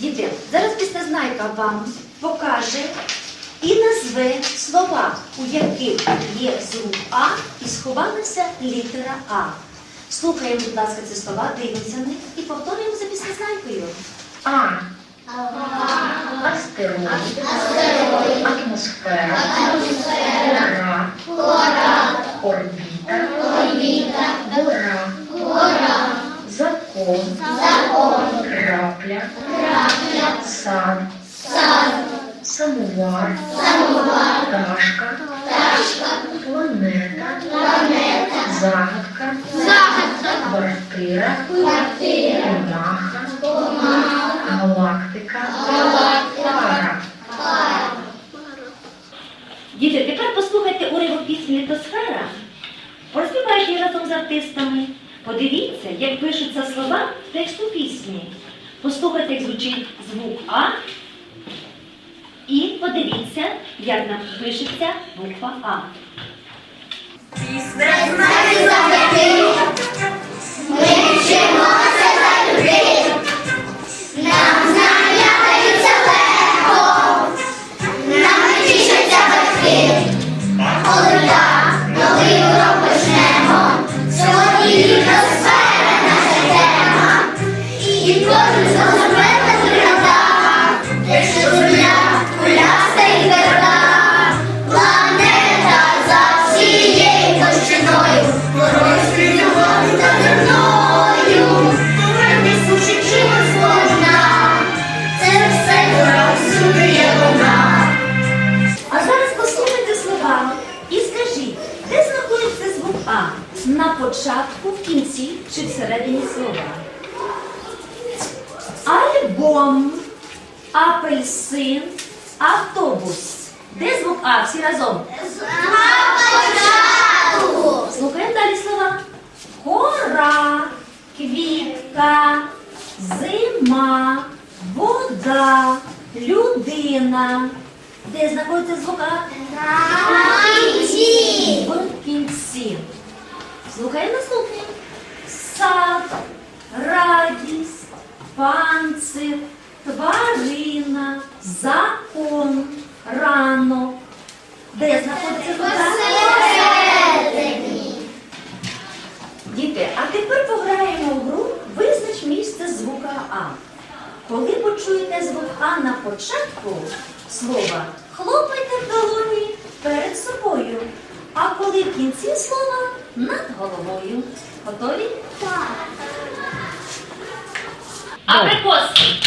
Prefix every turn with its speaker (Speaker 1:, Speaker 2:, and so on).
Speaker 1: Діти, зараз післезнайка вам покаже і назве слова, у яких є звук А і сховалася літера А. Слухаємо, будь ласка, ці слова, дивимося на них і повторюємо за післезнайкою.
Speaker 2: А. Астероїд. Атмосфера. Кора. Орбіта. Гора. Закон. Крапля. Сад. Самовар. Пташка. Планета. Загадка. Квартира. Комаха. Галактика. Пара.
Speaker 1: Діти, тепер послухайте уривок пісні «Літосфера». Поспівайте її разом з артистами. Подивіться, як пишуться слова тексту пісні. Послухайте, як звучить звук А. І подивіться, як нам пишеться буква А.
Speaker 3: Ми вчимося завжди, нам знання даються легко, нам тішаться батьки, коли так новий урок почнемо, сьогодні літосфера наша тема, і кожен зрозуміє зрада, те, що земля куляста і тверда, планета за всією площиною, порожньою воду та земною, повернись у чимось можна, це все розуміє вона.
Speaker 1: А зараз послухайте слова і скажіть, де знаходиться звук А? На початку, в кінці чи всередині слова? Альбом, апельсин, автобус. Де звук А? Всі разом. Слухаємо далі слова. Гора, квітка, зима, вода, людина. Де знаходиться звук А? В кінці. Слухаємо наступне. Сад, радість, панцир, тварина, закон, ранок. Де знаходиться звук А? Діти, а тепер пограємо в гру «Визнач місце звука А». Коли почуєте звук А на початку слова, хлопайте в долоні перед собою, а коли в кінці слова над головою. Готові?
Speaker 3: Так.
Speaker 1: Абрикоски.